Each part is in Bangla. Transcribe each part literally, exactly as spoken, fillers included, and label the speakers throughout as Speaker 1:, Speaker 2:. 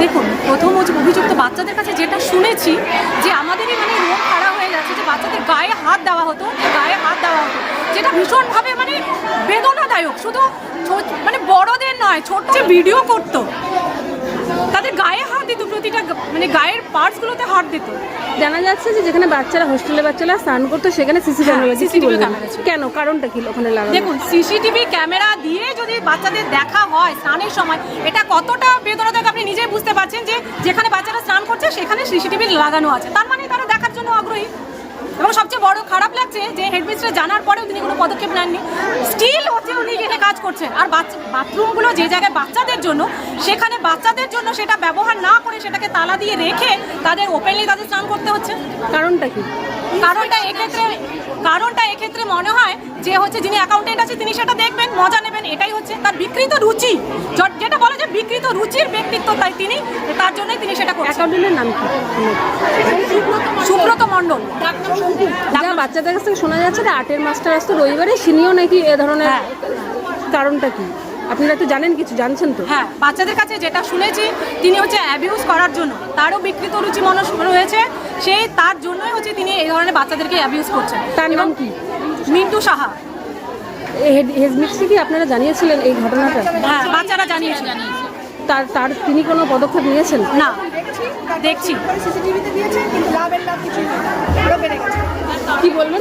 Speaker 1: দেখুন, প্রথম অভিযুক্ত বাচ্চাদের কাছে যেটা শুনেছি যে আমাদেরই মানে রোগ খারাপ হয়ে যাচ্ছে, যে বাচ্চাদের গায়ে হাত দেওয়া হতো, গায়ে হাত দেওয়া হতো, যেটা ভীষণভাবে মানে বেদনাদায়ক। শুধু মানে বড়দের নয়, ছোট যে ভিডিও করতো তাদের গায়ে হাত দিত, প্রতিটা মানে গায়ের পার্টসগুলোতে হাত দিত।
Speaker 2: জানা যাচ্ছে যে যেখানে বাচ্চারা হোস্টেলে বাচ্চারা স্নান করতো সেখানে সিসিটিভি ক্যামেরা ছিল, কেন কারণটা কি ওখানে লাগানো?
Speaker 1: দেখুন, সিসিটিভি ক্যামেরা দিয়ে যদি বাচ্চাদের দেখা হয় স্নানের সময়, এটা কতটা বেদনাদায়ক আপনি নিজেই বুঝতে পারছেন যে যেখানে বাচ্চারা স্নান করছে সেখানে সিসিটিভি লাগানো আছে, তার মানে তারা দেখার জন্য আগ্রহী। এবং সবচেয়ে বড় খারাপ লাগছে যে হেডমিস্ট্রেস জানার পরেও তিনি কোনো পদক্ষেপ নেননি, স্টিল হচ্ছে উনি এখানে কাজ করছেন। আর বাথরুমগুলো যে জায়গায় বাচ্চাদের জন্য, সেখানে বাচ্চাদের জন্য সেটা ব্যবহার না করে সেটাকে তালা দিয়ে রেখে তাদের ওপেনলি তাদের স্নান করতে হচ্ছে।
Speaker 2: কারণটা কি?
Speaker 1: কারণটা এক্ষেত্রে কারণটা এক্ষেত্রে মনে হয় যে হচ্ছে যিনি অ্যাকাউন্টেন্ট আছে তিনি সেটা দেখবেন, মজা নেবেন, এটাই হচ্ছে তার বিকৃত রুচি, যেটা বলে যে বিকৃত রুচির ব্যক্তিত্ব, তাই তিনি তার জন্যই তিনি সেটা করছেন।
Speaker 2: অ্যাকাউন্টেন্টের নাম কি?
Speaker 1: সুব্রত মণ্ডল।
Speaker 2: যা বাচ্চাদের কাছ থেকে শোনা যাচ্ছে যে আটের মাস্টার আসতো রবিবারে, সিনিও নাকি এ ধরনের। কারণটা কি আপনারা তো জানেন, কিছু জানছেন তো?
Speaker 1: হ্যাঁ, বাচ্চাদের কাছে যেটা শুনেছি তিনি হচ্ছে অ্যাবিউজ করার জন্য, তারও বিকৃত রুচি মনস রয়েছে, সেই তার জন্যই হচ্ছে তিনি এই ধরনের বাচ্চাদেরকে অ্যাবিউজ করছেন।
Speaker 2: তার নাম কি?
Speaker 1: মিন্টু সাহা।
Speaker 2: হেডমিস্ট্রেসকে কি আপনারা জানিয়েছিলেন এই ঘটনাটা?
Speaker 1: হ্যাঁ, বাচ্চারা জানিয়েছে।
Speaker 2: তার তার তিনি কোনো পদক্ষেপ নিয়েছেন?
Speaker 1: না, দেখছি
Speaker 3: সিসিটিভিতে দিয়েছে, কিন্তু লাভের লাভ কিছু আরো বেড়ে গেছে।
Speaker 2: কি বলবেন?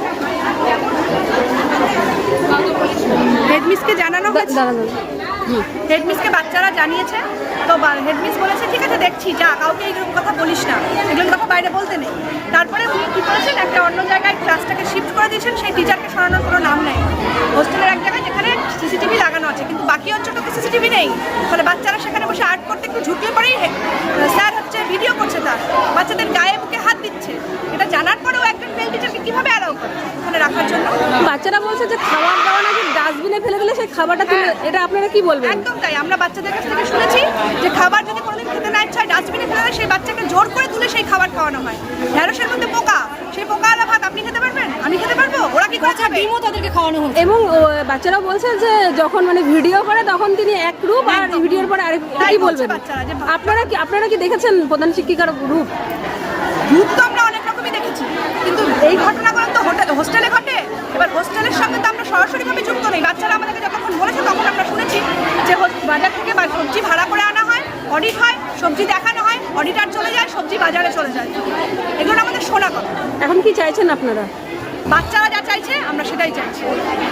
Speaker 3: হেডমিসকে জানানো হয়েছে,
Speaker 2: দাঁড়ানো।
Speaker 3: হেডমিসকে বাচ্চারা জানিয়েছে, তো হেডমিস বলেছে ঠিক আছে দেখছি, যা কাউকে এইগুলো কথা বলিস না, এগুলো কথা বাইরে বলতে নেই। তারপরে উনি কী করেছেন, একটা অন্য জায়গায় ক্লাসটাকে শিফট করে দিয়েছেন, সেই টিচারকে সরানোর কোনো নাম নেই। হোস্টেলের এক জায়গায় যেখানে সিসিটিভি লাগানো আছে, কিন্তু বাকি অঞ্চলটাতে সিসিটিভি নেই। ফলে বাচ্চারা সেখানে বসে আর্ট করতে একটু ঝুঁকলে পরেই স্যার হচ্ছে ভিডিও করছে, তার বাচ্চাদের গায়ে বুকে হাত দিচ্ছে। এটা জানার পরেও একজন মেল টিচারকে কীভাবে অ্যালাউ করে ওখানে রাখার জন্য?
Speaker 2: বাচ্চারা বলছে যে খাবার দাওয়া নাকি ডাস্টবিনে ফেলে দিলে সেই খাবারটা তুলে, এটা আপনারা কি বলবেন?
Speaker 3: একদম তাই, আমরা বাচ্চাদের কাছ থেকে শুনেছি যে খাবার যদি কোনোদিন খেতে না ইচ্ছা হয় ডাস্টবিনে ফেলে দেয়, সেই বাচ্চাকে জোর করে তুলে সেই খাবার খাওয়ানো হয়। ঢ্যাঁড়সের মধ্যে পোকা, সেই পোকাওয়ালা ভাত আপনি খেতে পারবেন, আমি খেতে পারবো, ওরা কি করে খাবে?
Speaker 1: ডিমও তাদেরকে খাওয়ানো হচ্ছে।
Speaker 2: এবং বাচ্চারা বলছে যে যখন মানে ভিডিও করে তখন তিনি এক রূপ, আর ভিডিওর পরে আরেক। কি বলবেন আপনারা? কি আপনারা কি দেখেছেন প্রধান শিক্ষিকার রূপ?
Speaker 3: রূপ তো আমরা অনেক রকমই দেখেছি, কিন্তু এই ঘটনাগুলো তো হোস্টেলে ঘটে। এবার হোস্টেলের সঙ্গে তো আমরা সরাসরিভাবে যুক্ত নেই। বাচ্চারা আমাদেরকে যতক্ষণ বলেছে তখন আমরা শুনেছি যে বাজার থেকে সবজি ভাড়া করে আনা হয়, অডিট হয়, সবজি দেখানো হয়, অডিটার চলে যায়, সবজি বাজারে চলে যায়, এগুলো আমাদের শোনা কথা।
Speaker 2: এখন কি চাইছেন আপনারা?
Speaker 3: বাচ্চারা যা চাইছে আমরা সেটাই চাইছি।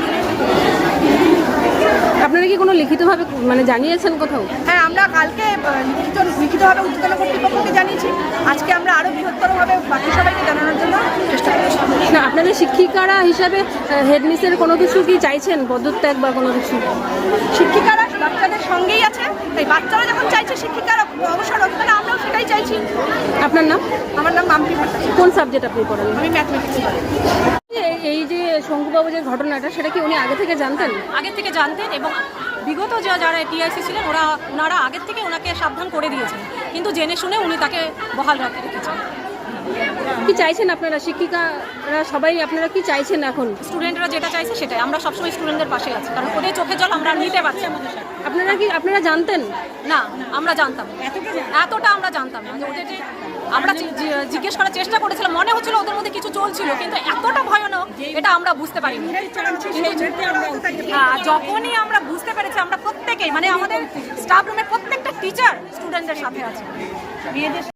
Speaker 2: আপনারা কি কোনো লিখিতভাবে মানে জানিয়েছেন কোথাও?
Speaker 3: হ্যাঁ, আমরা কালকে লিখিত লিখিতভাবে ঊর্ধ্বতন কর্তৃপক্ষকে জানিয়েছি, আজকে আমরা আরও বৃহত্তরভাবে বাকি সবাইকে জানানোর জন্য চেষ্টা করছি।
Speaker 2: না, আপনাদের শিক্ষিকারা হিসাবে হেডমিসের কোনো কিছু কি চাইছেন, পদত্যাগ বা কোনো কিছু?
Speaker 3: শিক্ষিকারা বাচ্চাদের সঙ্গেই আছে, তাই বাচ্চারা যখন চাইছে শিক্ষিকারা অবসর হোক, তাহলে আমরাও সেটাই চাইছি।
Speaker 2: আপনার নাম?
Speaker 3: আমার নাম মাম্পি ভট্টাচার্য।
Speaker 2: কোন সাবজেক্ট আপনি পড়ান?
Speaker 3: আমি ম্যাথমেটিক্স পড়াই।
Speaker 2: এই যে শঙ্কুবাবু যে ঘটনাটা, সেটা কি উনি আগে থেকে জানতেন?
Speaker 1: আগে থেকে জানতেন, এবং বিগত যারা টিআইসি ছিলেন ওরা ওনারা আগের থেকে ওনাকে সাবধান করে দিয়েছেন, কিন্তু জেনে শুনে উনি তাকে বহাল রাখতে রেখেছেন।
Speaker 2: কি চাইছেন আপনারা শিক্ষিকারা সবাই, আপনারা কি চাইছেন এখন?
Speaker 1: স্টুডেন্টরা যেটা চাইছে সেটাই, আমরা সবসময় স্টুডেন্টদের পাশে আছি, কারণ ওদের চোখে জল আমরা নিতে পারছি।
Speaker 2: আপনারা কি আপনারা জানতেন?
Speaker 1: না, আমরা জানতাম এতটা আমরা জানতাম না। যে ওদের যে আমরা জিজ্ঞেস করার চেষ্টা করেছিলাম, মনে হচ্ছিল ওদের মধ্যে কিছু চলছিল, কিন্তু এতটা ভয়ানক এটা আমরা বুঝতে পারিনি। যখনই আমরা বুঝতে পেরেছি, আমরা প্রত্যেকেই মানে আমাদের স্টাফ রুমের প্রত্যেকটা টিচার স্টুডেন্টদের সাথে আছে।